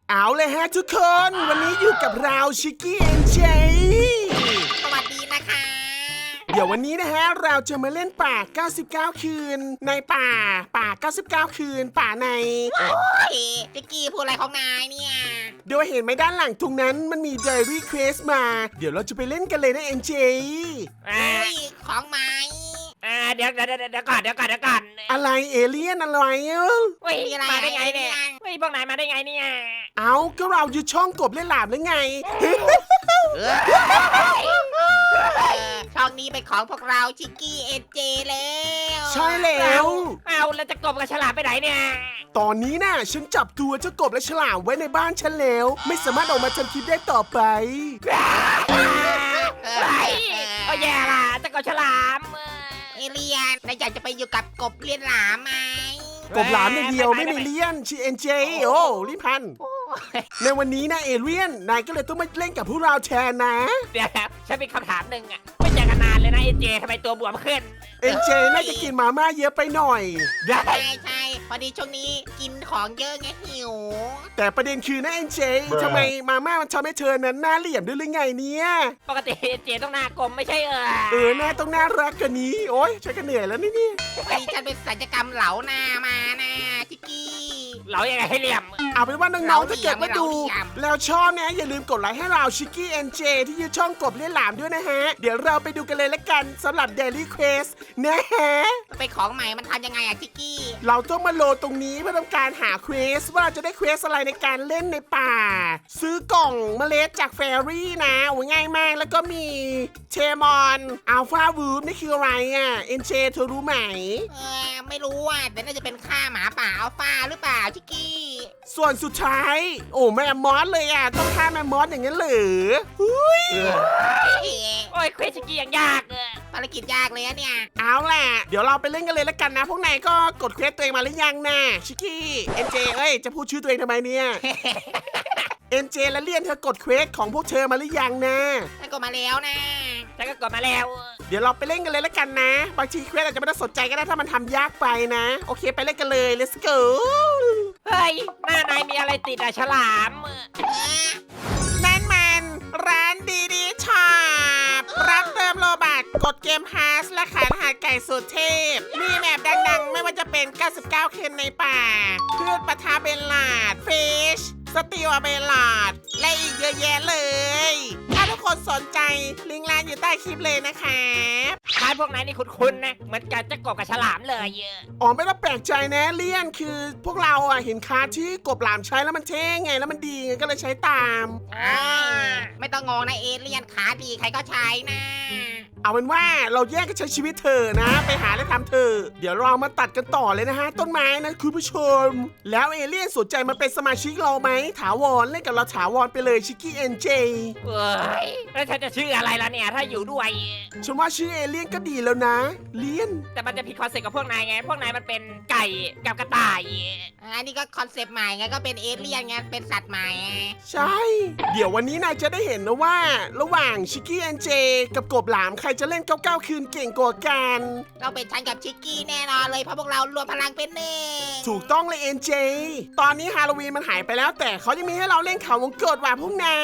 เอาเลยฮะทุกคนวันนี้อยู่กับเราชิคกี้เอ็นเจสวัสดีนะคะเดี๋ยววันนี้นะฮะเราจะมาเล่นป่า 99 คืน ในป่า 99 คืน ป่าในโอ้ยจิกกี้พูดอะไรของนายเนี่ยโดยเห็นไหมด้านหลังตรงนั้นมันมี Diary Quest มา เดี๋ยวเราจะไปเล่นกันเลยนะเอ็นเจเฮ้ยของไม้เดี๋ยวก่อนอะไรเอเลี่ยนอะไรเอ้าเฮ้ยมาได้ไงเนี่ยเฮ้ยพวกนายมาได้ไงเนี่ยเอาก็เราอยู่ช่องกบเล่นหลามแล้วไงช่องนี้เป็นของพวกเราชิกกี้เอเจแล้วใช่แล้วเอาแล้วจะกบกับฉลามไปไหนเนี่ยตอนนี้น่ะฉันจับตัวเจ้ากบและฉลามไว้ในบ้านฉันแล้ว ไม่สามารถออกมาทำคลิปได้ต่อไปเฮ้ยโอ้แย่ล่ะจะกบฉลามเอเลียนนายอยากจะไปอยู่กับกบเลียนหลามไหมกบหลามอย่างเดียวไม่มีเลี่ยนชีเอ็นเจโอ้รีบพันในวันนี้นะเอเลี่ยนนายก็เลยต้องมาเล่นกับพวกเราแทนนะเดี๋ยวฉันมีคำถามหนึ่งอ่ะไม่เจอกันนานเลยนะเอเจทำไมตัวบวมขึ้นเอ็นเจน่าจะกินมาม่าเยอะไปหน่อยใช่พอดีช่วงนี้กินของเยอะไงหิวแต่ประเด็นคือนะเอ็นเจทำไมมาม่ามันทำให้เธอนั้นหน้าเหลี่ยมด้วยหรือไงเนี่ยปกติเอเจต้องหน้ากลมไม่ใช่หน้าต้องน่ารักกว่านี้โอ๊ยฉันก็เหนื่อยแล้วนี่พอดีฉันเป็นศัลยกรรมเหลาหน้ามานะชิกกี้เรายังไงให้เหลี่ยมเอาเป็นว่าน้องๆถ้าเกิดว่าดูเราเหลี่ยมแล้วชอบนะอย่าลืมกดไลค์ให้เราชิคกี้เอ็นเจที่ยืดช่องกบเล่นหลามด้วยนะฮะ เดี๋ยวเราไปดูกันเลยละกันสำหรับ Daily Quest นะฮะเป็นของใหม่มันทำยังไงอะชิกกี้เราต้องมาโหลดตรงนี้เพื่อทำการหาเควสว่าเราจะได้เควสอะไรในการเล่นในป่า ซื้อกล่องเมล็ดจากแฟรี่นะโอ้ยง่ายมากแล้วก็มีเชมอนอัลฟาวูฟนี่คืออะไรอ่ะเอ็นเจเธอรู้ไหมไม่รู้อ่ะแต่น่าจะเป็นค่าหมาป่าอัลฟาหรือเปล่าชิกกี้ส่วนสุดท้ายโอ้แม่มอสเลยอ่ะต้องฆ่าแม่มอสอย่างนั้นเหรอหุ้ยโอ้ยเควสกี้ยังยากภารกิจยากเลยอะเนี่ยเอาล่ะเดี๋ยวเราไปเล่นกันเลยละกันนะพวกนายก็กดเควสตัวเองมาหรือยังนะชิคกี้เอ็นเจเอ้ยจะพูดชื่อตัวเองทำไมเนี่ยเอ็นเจและเลียนเธอกดเควสของพวกเธอมาหรือยังนะฉันก็มาแล้วนะฉันก็กดมาแล้วเดี๋ยวเราไปเล่นกันเลยละกันนะบางทีเควสอาจจะไม่ได้สนใจก็ได้ถ้ามันทำยากไปนะโอเคไปเล่นกันเลย let's go เฮ้ยหน้านายมีอะไรติดอะฉลามนั่นมันร้านดีดีช็อปรับเติมโลบัตกดเกมฮาร์สและขายรหัสไก่สุดเทพ มีแมปดังๆ ไม่ว่าจะเป็น 99 เคนในป่าพืชปะทาเบลลาดฟิชสติวเบลลาดและอีกเยอะแยะเลย ถ้าทุกคนสนใจลิงก์ร้านอยู่ใต้คลิปเลยนะครับท้ายพวกนายนี่คุ้นๆนะเหมือนกันจะกบกับฉลามเลยอ๋อไม่ต้องแปลกใจนะเลี่ยนคือพวกเราอ่ะเห็นคาร์ดที่กบหลามใช้แล้วมันเท่ไงแล้วมันดีไงก็เลยใช้ตามไม่ต้องงงนะเอเลียนขาดีใครก็ใช้นะเอาเป็นว่าเราแยกกันใช้ชีวิตเธอนะ ไปหาและทำเธอ เดี๋ยวเรามาตัดกันต่อเลยนะฮะ ต้นไม้นะคุณผู้ชม แล้วเอเลี่ยนสนใจมาเป็นสมาชิกเราไหมถาวรเล่นกับเราถาวรไปเลยชิคกี้เอ็นเจเฮ้ยแล้วฉันจะชื่ออะไรล่ะเนี่ยถ้าอยู่ด้วยฉันว่าชื่อเอเลี่ยนก็ดีแล้วนะเลี่ยนแต่มันจะผิดคอนเซ็ปต์กับพวกนายไง พวกนายมันเป็นไก่กับกระต่ายอันนี้ก็คอนเซปต์ใหม่ไงก็เป็นเอเลียนไงเป็นสัตว์ใหม่ใช่ เดี๋ยววันนี้นายจะได้เห็นนะว่า ระหว่างชิคกี้เอ็นเจกับกบหลามใครจะเล่น99 คืนเก่งกว่ากันเราเป็นฉันกับชิกกี้แน่นอนเลยเพราะพวกเรารวมพลังเป็นหนึ่งถูกต้องเลยเอ็นเจตอนนี้ฮาโลวีนมันหายไปแล้วแต่เขายังมีให้เราเล่นเขาวงกตว่ะพวกนาย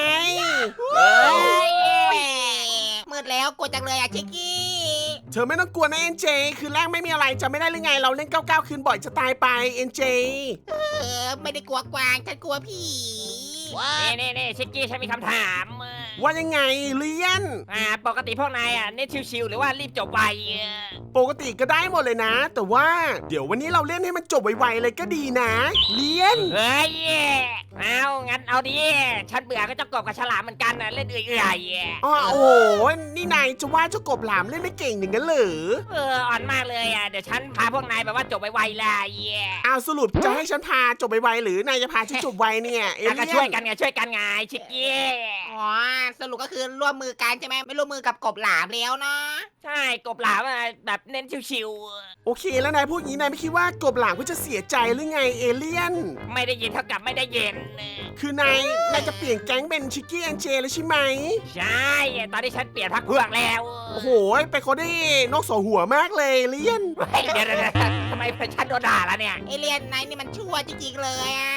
มืดแล้วกลัวจังเลยอะชิกกี้เธอไม่ต้องกลัวนะเอ็นเจคือแรกไม่มีอะไรจะไม่ได้หรือไงเราเล่น99 คืนบ่อยจะตายไปเอ็นเจไม่ได้กลัวกวางฉันกลัวผีนี่ชิกกี้ฉันมีคำถามว่ายังไงเลียนปกติพวกนายเน้นชิวๆหรือว่ารีบจบไวปกติก็ได้หมดเลยนะ แต่ว่าเดี๋ยววันนี้เราเล่นให้มันจบไวๆเลยก็ดีนะเลียนเฮ้ยเอางั้นเอาดิฉันเบื่อก็จะกบกับฉลามเหมือนกันนะเล่นเอื่อยอ๋อโอ้โหนี่นายจะว่าเจ้ากบหลามเล่นไม่เก่งอย่างนั้นเหรออ่อนมากเลยเดี๋ยวฉันพาพวกนายแบบว่าจบไวๆเลยเอาสรุปจะให้ฉันพาจบไวๆหรือนายจะพาฉันจบไวเนี่ยเอก็เลี่ช่วยยนกันไงชิกกี้อ๋อสรุปก็คือร่วมมือกันใช่ไหมไม่ร่วมมือกับกบหลามแล้วเนาะใช่กบหลามแบบเน้นชิวโอเคแล้วนายพูดอย่างนี้นายไม่คิดว่ากบหลามก็จะเสียใจหรือไงเอเลี่ยนๆไม่ได้ยินเท่ากับไม่ได้เย็นคือนายจะเปลี่ยนแก๊งเป็นชิคกี้แอนเจแล้วใช่ไหมใช่ตอนนี้ฉันเปลี่ยนพักพวกแล้วโอ้โหไปเขาได้นกสองหัวมากเลยเลี่ยนเดี๋ยวทำไมฉันโดนด่าแล้วเนี่ยเอเลียนนายนี่มันชั่วจริงๆเลยอ่ะ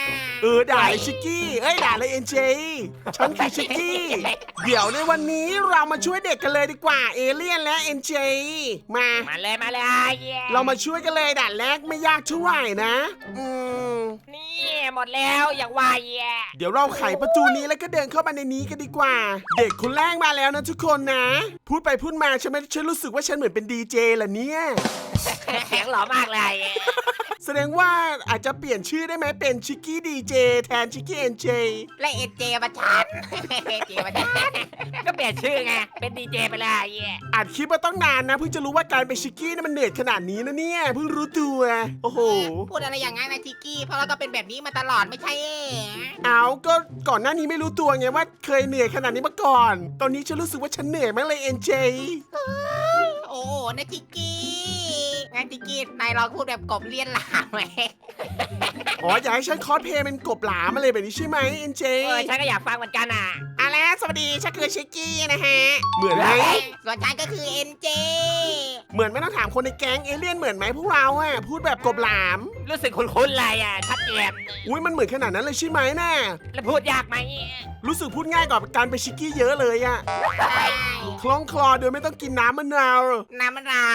ด่าเลยชิกกี้ด่าเลยเอ็นเจฉันคือชิกกี้เดี๋ยวในวันนี้เรามาช่วยเด็กกันเลยดีกว่าเอเลี่ยนและเอ็นเจมามาเลยเรามาช่วยกันเลยด่านแรกไม่ยากเท่าไหร่นะนี่หมดแล้วอย่างไวอ่ะเดี๋ยวเราไขประตูนี้แล้วก็เดินเข้ามาในนี้กันดีกว่า เด็กคนแรกมาแล้วนะทุกคนนะ พูดไปพูดมาฉันรู้สึกว่าฉันเหมือนเป็นดีเจล่ะเนี่ยเสียงหล่อมากเลยแสดงว่าอาจจะเปลี่ยนชื่อได้ไหมเป็นชิกกี้ดีเจแทนชิกกี้เอ็นเจและเอเจมาชันเอเจมาชันก็เปลี่ยนชื่อไงเป็นดีเจไปเลยอัดคลิปมาต้องนานนะเพิ่งจะรู้ว่าการเป็นชิกกี้นี่มันเหนื่อยขนาดนี้นะเนี่ยเพิ่งรู้ตัวโอ้โหพูดอะไรอย่างงั้นนะชิกกี้เพราะเราก็เป็นแบบนี้มาตลอดไม่ใช่เอาก็ก่อนหน้านี้ไม่รู้ตัวไงว่าเคยเหนื่อยขนาดนี้มาก่อน ตอนนี้ฉันรู้สึกว่าฉันเหนื่อยมากเลยเอ็นเจโอ้นะชิกกี้งั้นชิกกี้นายลองพูดแบบกบเลียนหลามไหมอ๋ออยากให้ฉันคอสเพลย์เป็นกบหลามมาเลยแบบนี้ใช่ไหมเอ็นเจฉันก็อยากฟังเหมือนกันอ่ะแล้วสวัสดีฉันคือชิกกี้นะฮะเหมือนไหมส่วนฉันก็คือเอ็นเจเหมือนไม่ต้องถามคนในแก๊งเอเลี่ยนเหมือนไหมพวกเราอะพูดแบบกบหลามรู้สึกคุ้นๆเลยอ่ะชัดเจนอุ้ยมันเหมือนขนาดนั้นเลยใช่ไหมน่ะแล้วพูดยากไหมรู้สึกพูดง่ายกว่าการไปนชิกกี้เยอะเลยอะใช่คล้องคลอโดยไม่ต้องกินน้ำมะนาวน้ำมะนาว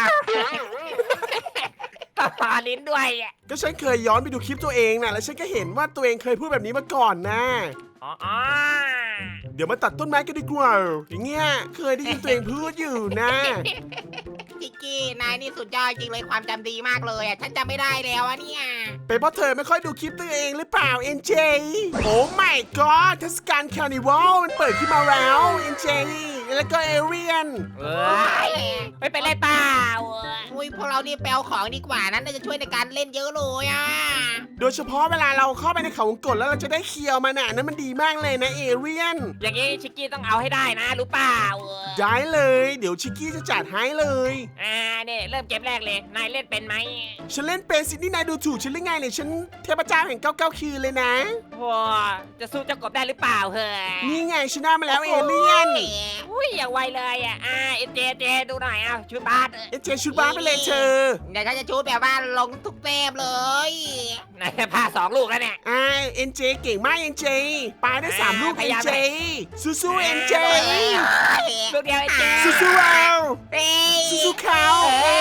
ต่อลิ้นด้วยก็ฉันเคยย้อนไปดูคลิปตัวเองนะแล้วฉันก็เห็นว่าตัวเองเคยพูดแบบนี้มาก่อนนะอ๋อเดี๋ยวมาตัดต้นไม้กันดีกว่าอย่างเงี้ยเคยได้ยินตัวเองพูดอยู่นะชิกกี้นายนี่สุดยอดจริงเลยความจำดีมากเลยอ่ะฉันจำไม่ได้แล้วอะเนี่ยเป็นเพราะเธอไม่ค่อยดูคลิปตัวเองหรือเปล่าเอ็นเจโอ้ my god เทศกาลคาร์นิวัลมันเปิดขึ้นมาแล้วเอ็นเจแล้วก็เอเรียนไม่เป็นไรเปล่าอุ้ยพวกเรานี่แปลของดีกว่านั้นน่าจะช่วยในการเล่นเยอะเลยอ่ะโดยเฉพาะเวลาเราเข้าไปในเขาวงกตแล้วเราจะได้เคียวมันน่ะนั่นมันดีมากเลยนะเอเรียนอย่างงี้ชิกกี้ต้องเอาให้ได้นะรู้เปล่าได้เลย เดี๋ยวชิกกี้จะจัดให้เลยเนี่ยเริ่มเกมแรกเลยนายเล่นเป็นไหมฉันเล่นเป็นสินี่นายดูถูกฉันหรือไงเนี่ยฉันเทพเจ้าแห่ง99 คืนเลยนะว้าจะสู้เจ้ากบได้หรือเปล่าเฮ้ยนี่ไงชนะมาแล้วเอเลียนอุ้ยอย่างไวเลยอ่ะเจดูหน่อยชุดบาสเอเจชุดบ้าไปเลยเธอเดี๋ยวฉันจะชูดแบบว่าลงทุกเต็มเลยนายพา2 ลูกแล้วเนี่ยเอ็นเจเก่งมากเอ็นเจปาได้3 ลูกพเอ็ยาน ยามเจสู้ๆเอ็นเจลูกเดียวเจสู้ๆเราเอ้ยสู้ๆเขา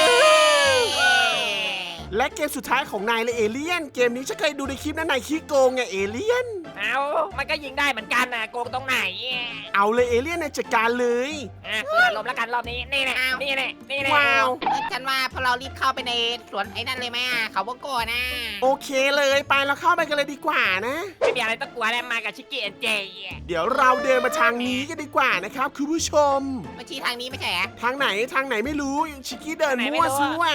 และเกมสุดท้ายของนายเลยเอเลียนเกมนี้ฉันเคยดูในคลิปนะนายขี้โกงไงเอเลียนมันก็ยิงได้เหมือนกันนะโกงตรงไหนเอาเลยเอเลียนนายจัดการเลยเปิดลมแล้วกันรอบนี้นี่แหละนี่แหละนี่แหละว้าวฉันว่าพอเรารีบเข้าไปในสวนไอ้นั่นเลยไหมอ่ะเขาวงโกนะโอเคเลยไปเราเข้าไปกันเลยดีกว่านะไม่มีอะไรต้องกลัวแล้วมากับชิคกี้เจเดี๋ยวเราเดินมาทางนี้กันดีกว่านะครับคุณผู้ชมมาชี้ทางนี้ไม่ใช่เหรอทางไหนไม่รู้ชิคกี้เดินมั่วซั่ว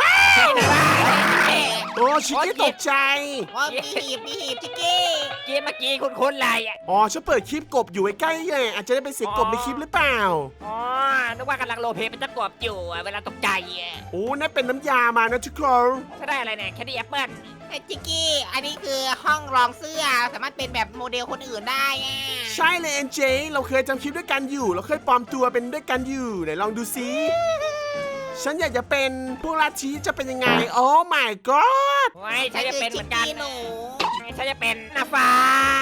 โอ้ชิคกี้ตกใจว่ามีหีบชิกกี้เมื่อกี้คุ้นๆเลยอ๋อฉันเปิดคลิปกบอยู่ใกล้ๆเลยอาจจะได้เป็นเสียงกบในคลิปหรือเปล่านึกว่ากำลังโรลเพลย์เป็นเจ้ากบอยู่เวลาตกใจโอ้นั่นเป็นน้ำยามานะทุกคนถ้าได้อะไรเนี่ยแคดดี้แอปเปิ้ลไอ้ชิกกี้ อันนี้คือห้องรองเสื้อสามารถเป็นแบบโมเดลคนอื่นได้อ่ะใช่เลยเอ็นเจเราเคยจำคลิปด้วยกันอยู่เราเคยปลอมตัวเป็นด้วยกันอยู่ไหนลองดูซิฉันอยากจะเป็นพวกลัทธิจะเป็นยังไงโอ้ my god ไว้ฉันจะเป็นเหมือนกันชิกี้หนูฉันจะเป็นหน้าฟ้า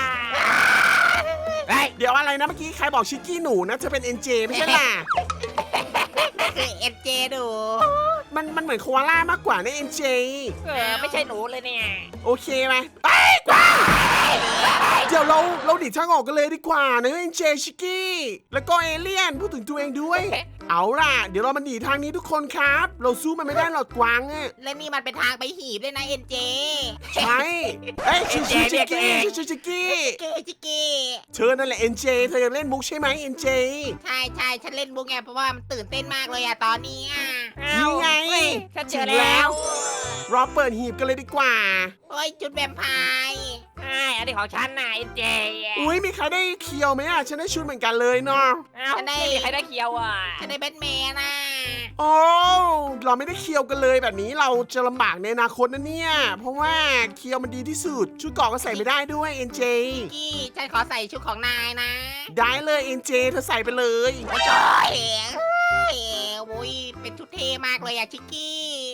เดี๋ยวอะไรนะเมื่อกี้ใครบอกชิคกี้หนูนะเธอเป็นเอ็นเจไม่ใช่ล่ะคือเอ็นเจดูมันเหมือนโคอาล่ามากกว่านะเอ็นเจไม่ใช่หนูเลยเนี่ยโอเคไหมไปกว้างเดี๋ยวเราดิดทางออกกันเลยดีกว่านะเอ็นเจชิคกี้แล้วก็เอเลี่ยนพูดถึงตัวเองด้วย เอาล่ะเดี๋ยวเรามาหนีทางนี้ทุกคนครับ เราสู้มันไม่ได้หรอกกวางอะและนี่มันเป็นทางไปหีบด้วยนะเอ็นเจใช่เอ้ยชิคกี้ชิคกี้ชิคกี้ชิกกี้เธอนั่นแหละเอ็นเจเธอยังเล่นมุกใช่ไหมเอ็นเจใช่ฉันเล่นบุกไงเพราะว่ามันตื่นเต้นมากเลยอะตอนนี้อะนี่ไงฉันเจอแล้วเราเปิดหีบกันเลยดีกว่าโอ้ยจุดแวมไพร์อันนี้ของฉันนะเจอุ้ยมีใครได้เคียวไหมอ่ะฉันได้ชุดเหมือนกันเลยเนาะไม่มีใครได้เคียวอ่ะฉันได้แบทแมนนะโอ้เราไม่ได้เคียวกันเลยแบบนี้เราจะลำบากในอนาคตนะเนี่ยเพราะว่าเคียวมันดีที่สุดชุดเกราะก็ใส่ไม่ได้ด้วยเอ็นเจกี้ฉันขอใส่ชุดของนายนะได้เลยเอ็นเจเธอใส่ไปเลยโอ้ยโอ้ยเป็นชุดเท่มากเลยอะชิกกี้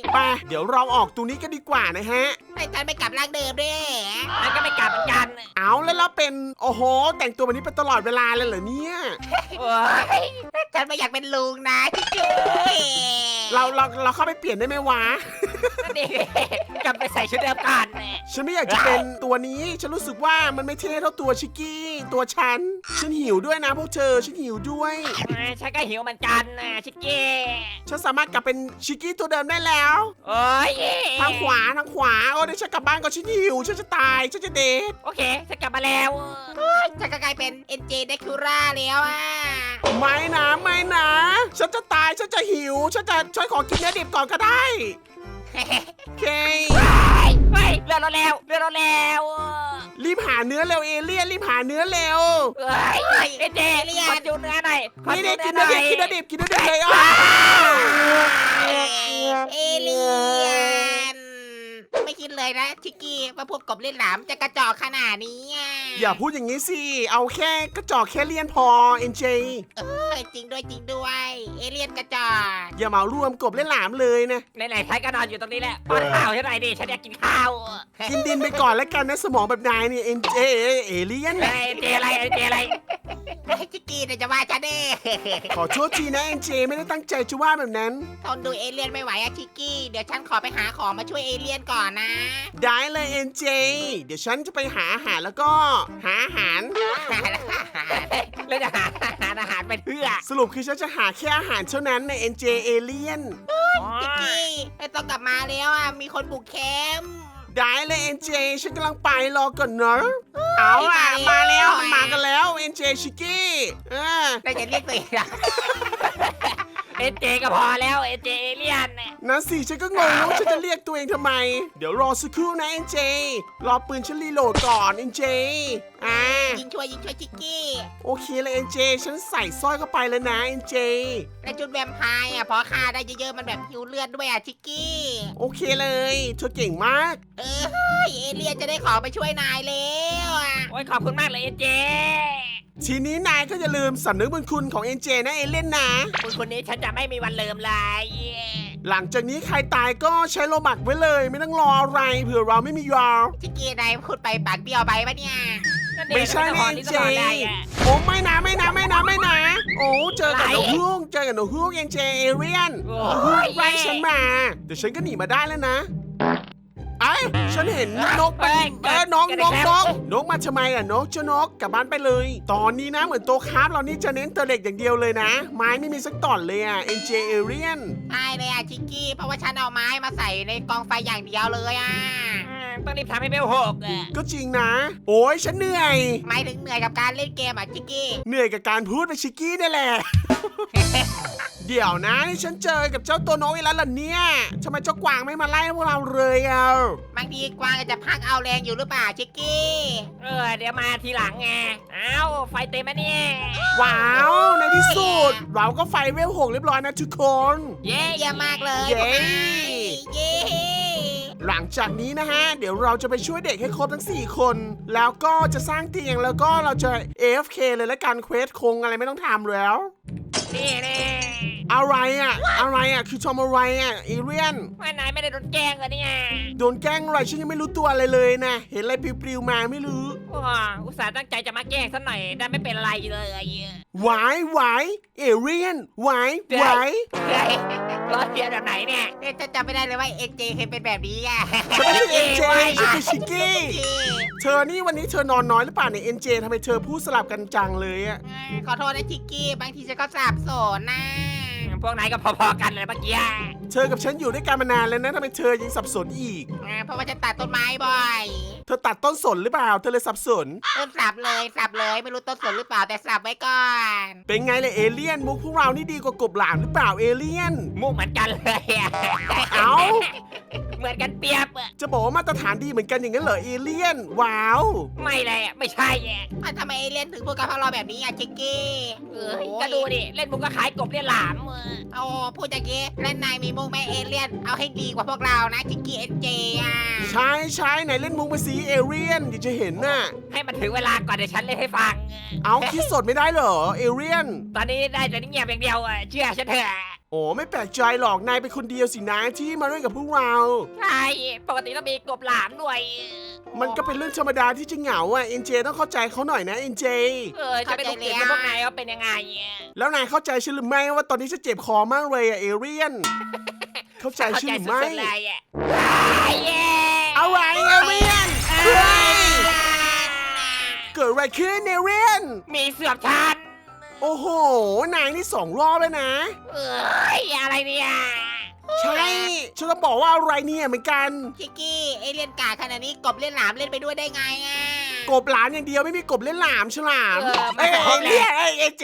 ไปเดี๋ยวเราออกตรงนี้กันดีกว่านะฮะให้ฉันไม่กลับร่างเดิมด้วยมันก็ไม่กลับเหมือนกันเอาแล้วเราเป็นโอ้โห แต่งตัวแบบนี้เป็นตลอดเวลาเลยเหรอเนี่ยโอ้ยฉันไม่อยากเป็นลุงนะจิ๊กกี้เราเข้าไปเปลี่ยนได้ไหมวะนี่กลับไปใส่ชุดเดิมก่อนฉันไม่อยากจะเป็นตัวนี้ฉันรู้สึกว่ามันไม่เท่เท่าตัวชิกกี้ตัวฉันหิวด้วยนะพวกเธอฉันหิวด้วยฉันก็หิวเหมือนกันนะชิคกี้ฉันสามารถกลับเป็นชิกกี้ตัวเดิมได้แล้วโอ้ยทางขวาโอ้เดี๋ยวฉันกลับบ้านก่อนฉันหิวฉันจะตายฉันจะเดทโอเคฉันกลับมาแล้วฉันก็กลายเป็น NJ เดคูร่าแล้วอ่ะไม่นะฉันจะตายฉันจะหิวฉันจะช่วยขอกินเนื้อดิบก่อนก็ได้โอเคเฮ้ยเรือเราแล้วรีบหาเนื้อเร็วเอเลี่ยนรีบหาเนื้อเร็วเฮ้ยเจขอจูเนื้อหน่อยขอนี่จูกินเนื้เนื้ออหดิน่อบ ยกินเนื้อดิบเลยอ่ะเอเลียนไม่คิดเลยนะชิกกี้ว่าพวกกบเล่นหลามจะกระจอกขนาดนี้อ่ะอย่าพูดอย่างนี้สิเอาแค่กระจอกแค่เลี่ยนพอเอ็นเจจริงด้วย เอเลียนกระจอกอย่าเหมารวมกบเล่นหลามเลยนะไหนๆฉันก็นอนอยู่ตรงนี้แหละป้อนข้าวฉันหน่อยดิฉันอยากกินข้าวกินดินไปก่อนแล้วกันนะสมองแบบนายเนี่ยเอ็นเจเอเลี่ยนเจอะไรชิกกี้เนี่ยจะว่าฉันเด้ขอโทษทีนะเอ็นเจไม่ได้ตั้งใจจะว่าแบบนั้นทนดูเอเลียนไม่ไหวอะชิกกี้เดี๋ยวฉันขอไปหาของมาช่วยเอเลียนก่อนนะได้เลยเอ็นเจเดี๋ยวฉันจะไปหาอาหารแล้วก็หาอาหารแล้วจะหาอาหารไปเพื่อสรุปคือฉันจะหาแค่อาหารเท่านั้นใน NJ Alien ชิกกี้ไม่ต้องกลับมาแล้วอ่ะมีคนบุกแคมป์ได้เลย NJ ฉันกำลังไปรอก่อนเนอะเอาล่ะมาแล้วมันมากันแล้ว NJ ชิกกี้ได้จะเรียกตัวเองอะเจก็พอแล้วเจเอเลี่ยนนั่นสิฉันก็งงนะว่าฉันจะเรียกตัวเองทำไม เดี๋ยวรอสักครู่นะ NJ รอปืนฉันรีโหลดก่อน NJ ยิงช่วยชิกกี้โอเคเลย NJ ฉันใส่สร้อยเข้าไปแล้วนะ NJ และจุดแวมไพร์อ่ะพอฆ่าได้เยอะๆมันแบบหิวเลือดด้วยอ่ะชิกกี้โอเคเลยเธอเก่งมากเอเลียนจะได้ของไปช่วยนายแล้วอ่ะโอ้ยขอบคุณมากเลยเจทีนี้นายก็อย่าลืมสำนึกบุญคุณของ NJ นะเอเล่นนะคุณคนนี้ฉันจะไม่มีวันลืมเลยหลังจากนี้ใครตายก็ใช้โลบักไว้เลยไม่ต้องรออะไรเผื่อเราไม่มียาชิกกี้นายพูดไปปากเบี้ยวไปปะเนี่ยไม่ใช่แน่เจโอ้ไม่นะโอ้เจอกับหนูฮุ้งเอ็นเจเอเรียนไล่ฉันมาเดี๋ยวฉันก็หนีมาได้แล้วนะไอ้ฉันเห็นนกมันนกมาทำไมอ่ะนกเจ้านกกลับบ้านไปเลย ตอนนี้นะเหมือนโตคราฟเรานี่จะเน้นตัวเด็กอย่างเดียวเลยนะ ไม้ไม่มีสักตอนเลยอ่ะ NJ Alien ใช่เลยอ่ะชิกกี้เพราะว่าฉันเอาไม้มาใส่ในกองไฟอย่างเดียวเลยอ่ะต้องรีบทำให้เบลหกก็จริงนะ โอ้ยฉันเหนื่อยหมายถึงเหนื่อยกับการเล่นเกมอ่ะชิกกี้เหนื่อยกับการพูดไปชิกกี้นี่แหละ เดี๋ยวนะนี่ฉันเจอกับเจ้าตัวน้อยอีกแล้วเหรอเนี่ยทำไมเจ้ากวางไม่มาไล่พวกเราเลยอ่ะบางทีกวางจะพักเอาแรงอยู่หรือเปล่าชิกกี้เดี๋ยวมาทีหลังไงเอ้าไฟเต็มไหมเนี่ยว้าวในที่สุด เราก็ไฟเวล6เรียบร้อยนะทุกคนเย้เยี่ยมมากเลยเย้เย้หลังจากนี้นะฮะ เดี๋ยวเราจะไปช่วยเด็กให้ครบทั้ง 4 คน แล้วก็จะสร้างเตียงแล้วก็เราจะ AFK เลยและการเควสคงอะไรไม่ต้องทำแล้วนี่อะไรอ่ะคือทำอะไรอ่ะอีเรียนว่านายไม่ได้โดนแกล้งเหรอเนี่ยโดนแกล้งอะไรฉันยังไม่รู้ตัวอะไรเลยนะ เห็นอะไรปลิวๆมาไม่รู้อุตส่าห์ตั้งใจจะมาแกล้งซะหน่อยได้ไม่เป็นไรเลยหวายเอเรียนหวายรอเทียนแบบไหนเนี่ยจะจำไม่ได้เลยว่าเอ็นเจเคยเป็นแบบนี้อ่ะฉันไม่ใช่เอ็นเจฉันคือชิกกี้เธอนี่วันนี้เธอนอนน้อยหรือเปล่าเนี่ยเอ็นเจทำไมเธอพูดสลับกันจังเลยอ่ะขอโทษนะชิกกี้บางทีฉันก็สับสนนะพวกนายก็พอๆกันเลยเมื่อกี้เธอกับฉันอยู่ด้วยกันมานานแล้วนะทำไมเธอยังสับสนอีกเพราะว่าฉันตัดต้นไม้บ่อยเธอตัดต้นสนหรือเปล่า เธอเลยสับสนต้นสับเลยไม่รู้ต้นสนหรือเปล่าแต่สับไว้ก่อนเป็นไงเลยเอเลี่ยนมุกพวกเรานี่ดีกว่ากบหลามหรือเปล่าเอเลี่ยนมุกเหมือนกันเลยเอ้าเหมือนกันเปียบจะบอกว่ามาตรฐานดีเหมือนกันอย่างนั้นเหรอเอเลี่ยน ว้าวไม่เลยไม่ใช่ทำไมเอเลียนถึงพูดกับพวกเราแบบนี้อ่ะชิกกี้ก็ดูดิเล่นมุกก็ขายกบเรียนหลามโอ้พูดอย่างงี้และนายมีมุกแม่เอเลียนเอาให้ดีกว่าพวกเรานะชิกกี้เอ็นเจอ่ะใช่ไหนเล่นมุกมาสีเอเลี่ยนเดี๋ยวจะเห็นน่ะให้มันถึงเวลาก่อนเดี๋ยวฉันเล่นให้ฟังเอาคิดสดไม่ได้เหรอเอเลี่ยนตอนนี้ได้แต่เงียบอย่างเดียวเชื่อฉันเถอะโอ้ไม่แปลกใจหรอกนายเป็นคนเดียวสินะที่มาเล่นกับพวกเราใช่ปกติต้องมีกบหลามด้วยมันก็เป็นเรื่องธรรมดาที่จะเหงาอ่ะเอ็นเจต้องเข้าใจเขาหน่อยนะเอ็นเจจะไปดูเกมกับพวกนายว่าเป็นยังไงแล้วนายเข้าใจฉันหรือไม่ว่าตอนนี้ฉันเจ็บคอมากเลยอ่ะเอเรียน เข้าใจเข้าฉันใจหรือสุไม่ดๆเลยอะอะไรเอเรียนเฮ้ยเกิดอะไรขึ้นเอเรียนมีเสือบชันโอ้โหนายนี่2 รอบแล้วนะอะไรเนี่ยใช่ฉันต้องบอกว่าอะไรเนี่ยเหมือนกันชิกกี้เอเลี่ยนกาขนาดนี้กบเล่นหลามเล่นไปด้วยได้ไงอ่ะกบหลานอย่างเดียวไม่มีกบเล่นหลามฉลามไม่เอ้ยใช่เอเรียนเอเจ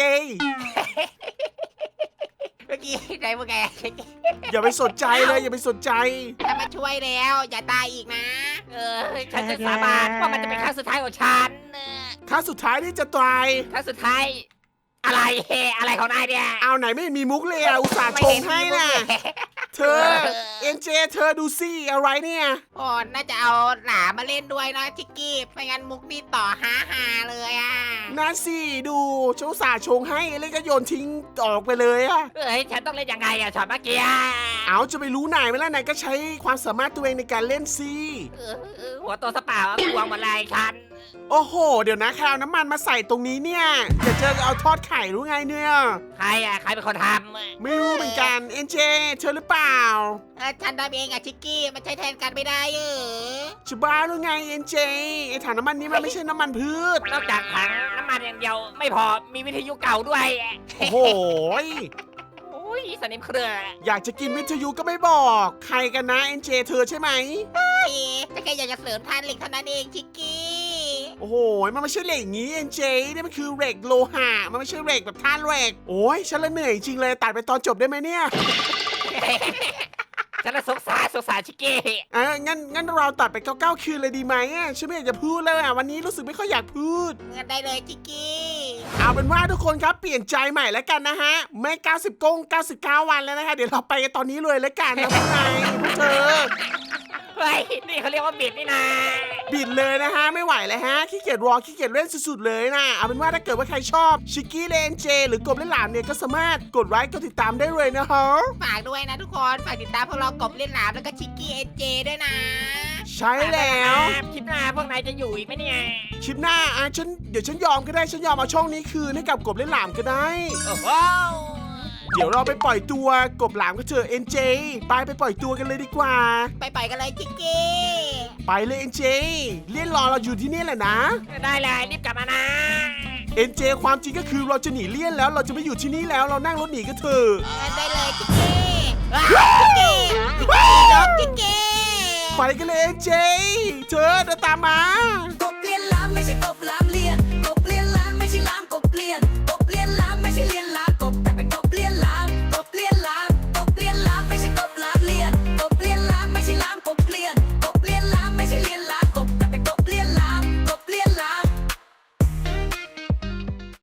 เมื่อกี้ใจพวกแกชิกกี้อย่าไปสนใจเลยอย่าไปสนใจถ้ามาช่วยแล้วอย่าตายอีกนะฉันจะสาบานว่ามันจะเป็นครั้งสุดท้ายของฉันครั้งสุดท้ายที่จะตายครั้งสุดท้าย อะไรของนายเนี่ยเอาไหนไม่มีมุกเลยอะอุตส่าห์ชงให้น่ะ เธอเอ็นเจเธอดูสิอะไรเนี่ยโอ้น่าจะเอาหลามมาเล่นด้วยนะชิกกี้ไม่งั้นมุกนี่ต่อฮาเลยอ่ะน่าสิดูฉันอุตส่าห์ชงให้เล่นก็โยนทิ้งออกไปเลยอะฉันต้องเล่นยังไงอะช็อตเมื่อกี้เอาจะไปรู้นายไหมล่ะนายก็ใช้ความสามารถตัวเองในการเล่นสิหัวโตสเปล่าทวงหมดเลยฉันโอ้โห เดี๋ยวนะแคลน้ำมันมาใส่ตรงนี้เนี่ยอย่าเจอเอาทอดไข่รู้ไงเนี่ยใครเป็นคนทไม่รู้เหมือนกันเอ็นเจเธอหรือเปล่าฉันทำเองอะชิกกี้มันใช้แทนกันไม่ได้จะบ้าหรือไงเอ็นเจไอถังน้ำมันนี้มันไม่ใช่น้ำมันพืชำนอกจากถังน้ำมันอย่างเดียวไม่พอมีวิทยุเก่าด้วยโอ้โหโอ้ยสนิมเครืออยากจะกินวิทยุก็ไม่บอกใครกันนะเอ็นเจเธอใช่ไหมจะแค่อยากจะเสริมทานเหล็กเท่านั้นเองชิกกี้โอ้โห มันไม่ใช่เหล็กอย่างนี้เอ็นเจนี่มันคือเหล็กโลหะ มันไม่ใช่เหล็กแบบท่าเหล็ก โอ้ยฉันละเหนื่อยจริงเลยตัดไปตอนจบได้ไหมเนี่ยฉันละสงสารชิกกี้งั้นเราตัดไป9คืนเลยดีไหมฉันไม่อยากจะพูดเลยวันนี้รู้สึกไม่ค่อยอยากพูดเงินได้เลยชิกกี้เอาเป็นว่าทุกคนครับเปลี่ยนใจใหม่แล้วกันนะฮะ ไม่99 วันแล้วนะคะเดี๋ยวเราไปกันตอนนี้เลยแล้วกันนะพวกนายพวกเธอเฮ้ยนี่เขาเรียกว่าบิดนี่นะบิดเลยนะฮะไม่ไหวแล้วฮะขี้เกียจรอขี้เกียจเล่นสุดๆเลยนะเอาเป็นว่าถ้าเกิดว่าใครชอบชิคกี้เลนเจหรือกบเล่นหลามเนี่ยก็สามารถกดไลค์กดติดตามได้เลยนะฮะฝากด้วยนะทุกคนฝากติดตามพวกเรากบเล่นหลามแล้วก็ชิกกี้เอ็นเจด้วยนะใช่แล้วคลิปหน้าพวกนายจะอยู่อีกไหมเนี่ยคลิปหน้าเดี๋ยวฉันยอมก็ได้ฉันยอมเอาช่องนี้คืนให้กับกบเล่นหลามก็ได้โอ้โหเดี๋ยวเราไปปล่อยตัวกบหลามก็เถอะเอ็นเจไปปล่อยตัวกันเลยดีกว่าไปกันเลยชิกกี้ไปเลยเอ็นเจเลี่ยนรอเราอยู่ที่นี่แหละนะได้เลยรีบกลับมานะเอ็นเจความจริงก็คือเราจะหนีเลี่ยนแล้วเราจะไม่อยู่ที่นี่แล้วเรานั่งรถหนีกันเถอะเงินได้เลยชิกกี้ชิกกี้ยกชิกกี้ไปกันเลยเอ็นเจเธอเดินตามมากบเลียนล้ำไม่ใช่กบล้ำ